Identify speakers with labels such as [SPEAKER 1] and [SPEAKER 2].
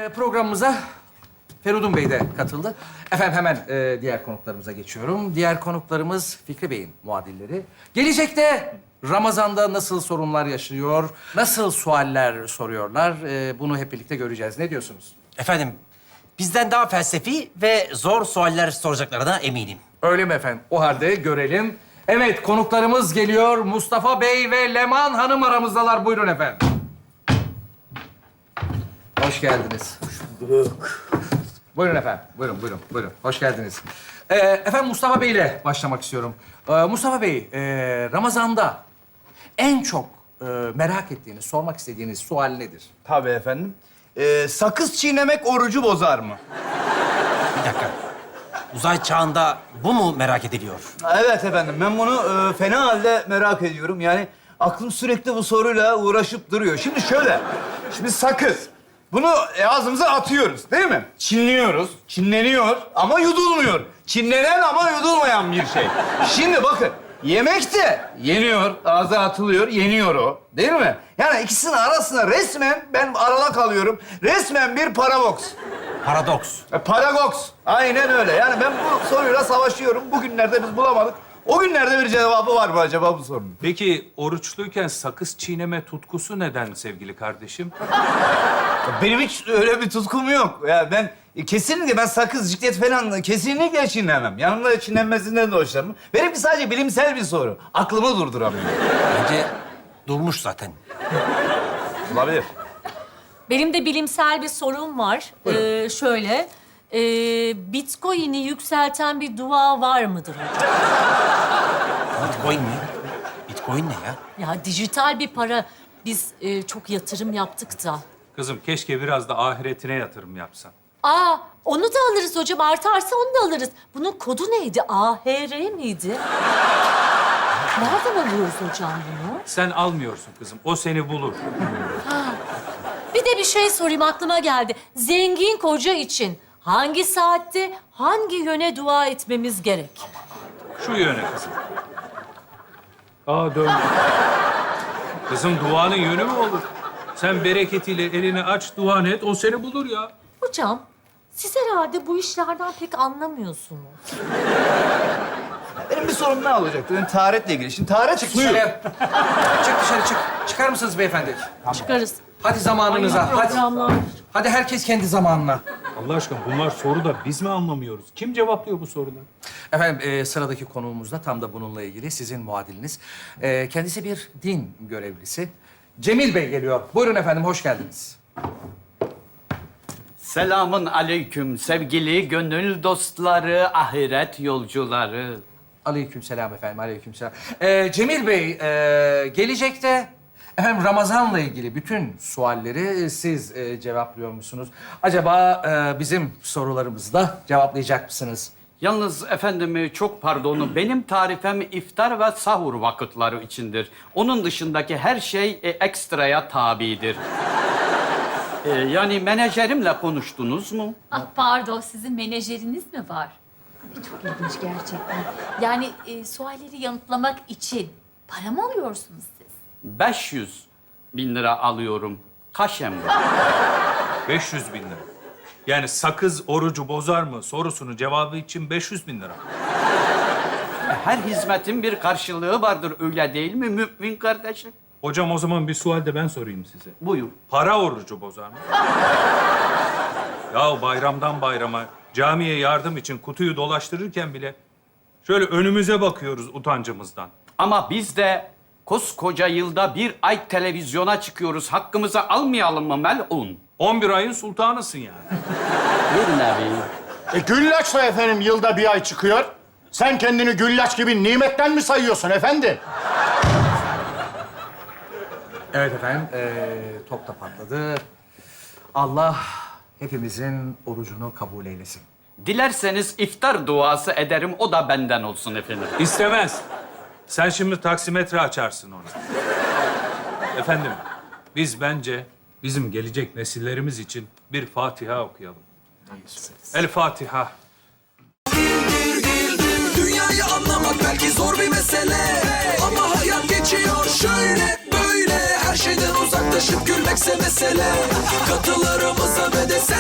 [SPEAKER 1] Programımıza Feridun Bey de katıldı. Efendim hemen diğer konuklarımıza geçiyorum. Diğer konuklarımız Fikri Bey'in muadilleri. Gelecekte Ramazan'da nasıl sorunlar yaşıyor, nasıl sualler soruyorlar bunu hep birlikte göreceğiz. Ne diyorsunuz?
[SPEAKER 2] Efendim, bizden daha felsefi ve zor sualler soracaklarına eminim.
[SPEAKER 1] Öyle mi efendim? O halde görelim. Evet, konuklarımız geliyor. Mustafa Bey ve Leman Hanım aramızdalar. Buyurun efendim. Hoş geldiniz. Hoş bulduk. Buyurun efendim. Buyurun. Hoş geldiniz. Efendim Mustafa Bey ile başlamak istiyorum. Mustafa Bey, Ramazan'da en çok merak ettiğiniz, sormak istediğiniz sual nedir?
[SPEAKER 3] Tabii efendim. Sakız çiğnemek orucu bozar mı?
[SPEAKER 2] Bir dakika. Uzay çağında bu mu merak ediliyor?
[SPEAKER 3] Evet efendim. Ben bunu fena halde merak ediyorum. Yani aklım sürekli bu soruyla uğraşıp duruyor. Şimdi şöyle. Şimdi sakız. Bunu ağzımıza atıyoruz değil mi? Çinliyoruz. Çinleniyor ama yudulmuyor. Çinlenen ama yudulmayan bir şey. Şimdi bakın. Yemek de yeniyor, ağza atılıyor, yeniyor o. Değil mi? Yani ikisinin arasında resmen ben arada kalıyorum. Resmen bir paradoks.
[SPEAKER 2] Paradoks.
[SPEAKER 3] Paradoks. Aynen öyle. Yani ben bu soruyla savaşıyorum. Bugünlerde biz bulamadık. O günlerde bir cevabı var mı acaba bu sorunun?
[SPEAKER 4] Peki oruçluyken sakız çiğneme tutkusu neden sevgili kardeşim?
[SPEAKER 3] Benim hiç öyle bir tutkum yok. Ya ben kesinlikle ben sakız, ciklet falan kesinlikle çiğnemem. Yanımda çiğnenmesinden de hoşlanmam. Benimki sadece bilimsel bir soru. Aklımı durduramıyorum.
[SPEAKER 2] Bence durmuş zaten.
[SPEAKER 3] Olabilir.
[SPEAKER 5] Benim de bilimsel bir sorum var. Şöyle, Bitcoin'i yükselten bir dua var mıdır hocam?
[SPEAKER 2] Bitcoin mi? Bitcoin ne ya?
[SPEAKER 5] Ya dijital bir para. Biz çok yatırım yaptık da.
[SPEAKER 4] Kızım keşke biraz da ahiretine yatırım yapsan.
[SPEAKER 5] Aa, onu da alırız hocam. Artarsa onu da alırız. Bunun kodu neydi? AHR miydi? Nereden alıyoruz hocam bunu?
[SPEAKER 4] Sen almıyorsun kızım, o seni bulur.
[SPEAKER 5] Bir de bir şey sorayım, aklıma geldi. Zengin koca için hangi saatte, hangi yöne dua etmemiz gerek?
[SPEAKER 4] Şu yöne kızım. Aa dön. Kızım duanın yönü mü olur? Sen bereketiyle elini aç, duan et, o seni bulur ya.
[SPEAKER 5] Hocam, siz herhalde bu işlerden pek anlamıyorsunuz.
[SPEAKER 3] Benim bir sorum ne olacaktı? Benim taharetle ilgili. Şimdi taharet
[SPEAKER 1] Çık
[SPEAKER 3] suyu.
[SPEAKER 1] dışarı. Çık dışarı çık. Çıkar mısınız beyefendi?
[SPEAKER 5] Çıkarız.
[SPEAKER 1] Hadi zamanınıza. Hadi.
[SPEAKER 5] Programlar.
[SPEAKER 1] Hadi herkes kendi zamanına.
[SPEAKER 4] Allah aşkına bunlar soru da biz mi anlamıyoruz? Kim cevaplıyor bu soruları?
[SPEAKER 1] Efendim sıradaki konuğumuz da tam da bununla ilgili sizin muadiliniz. Kendisi bir din görevlisi. Cemil Bey geliyor. Buyurun efendim, hoş geldiniz.
[SPEAKER 6] Selamun aleyküm sevgili gönül dostları, ahiret yolcuları.
[SPEAKER 1] Aleykümselam efendim, aleykümselam. Cemil Bey, gelecekte efendim Ramazan'la ilgili bütün sualleri siz cevaplıyor musunuz? Acaba bizim sorularımızı da cevaplayacak mısınız?
[SPEAKER 6] Yalnız efendim çok pardon, benim tarifem iftar ve sahur vakitleri içindir. Onun dışındaki her şey ekstraya tabidir. Yani menajerimle konuştunuz mu?
[SPEAKER 7] Ah pardon, sizin menajeriniz mi var? Çok ilginç gerçekten. Yani sualleri yanıtlamak için para mı alıyorsunuz siz?
[SPEAKER 6] 500.000 lira alıyorum. Kaşem var.
[SPEAKER 4] 500 bin lira. Yani sakız orucu bozar mı sorusunun cevabı için 500.000 lira.
[SPEAKER 6] Her hizmetin bir karşılığı vardır, öyle değil mi mümin kardeşim?
[SPEAKER 4] Hocam o zaman bir sual de ben sorayım size.
[SPEAKER 6] Buyur.
[SPEAKER 4] Para orucu bozar mı? Ya bayramdan bayrama camiye yardım için kutuyu dolaştırırken bile şöyle önümüze bakıyoruz utancımızdan.
[SPEAKER 6] Ama biz de koskoca yılda bir ay televizyona çıkıyoruz. Hakkımızı almayalım mı melun?
[SPEAKER 4] 11 ayın sultanısın yani.
[SPEAKER 6] Bir nevi.
[SPEAKER 8] Güllaç da efendim yılda bir ay çıkıyor. Sen kendini güllaç gibi nimetten mi sayıyorsun efendi?
[SPEAKER 1] Evet efendim, top da patladı. Allah hepimizin orucunu kabul eylesin.
[SPEAKER 6] Dilerseniz iftar duası ederim, o da benden olsun efendim.
[SPEAKER 4] İstemez. Sen şimdi taksimetre açarsın ona. Efendim, biz bence bizim gelecek nesillerimiz için bir Fatiha okuyalım. El Fatiha.
[SPEAKER 9] Dünyayı anlamak belki zor bir mesele, ama hayat geçiyor şöyle böyle. Her şeyden uzaklaşıp gülmekse mesele. Katılarımıza ve de sen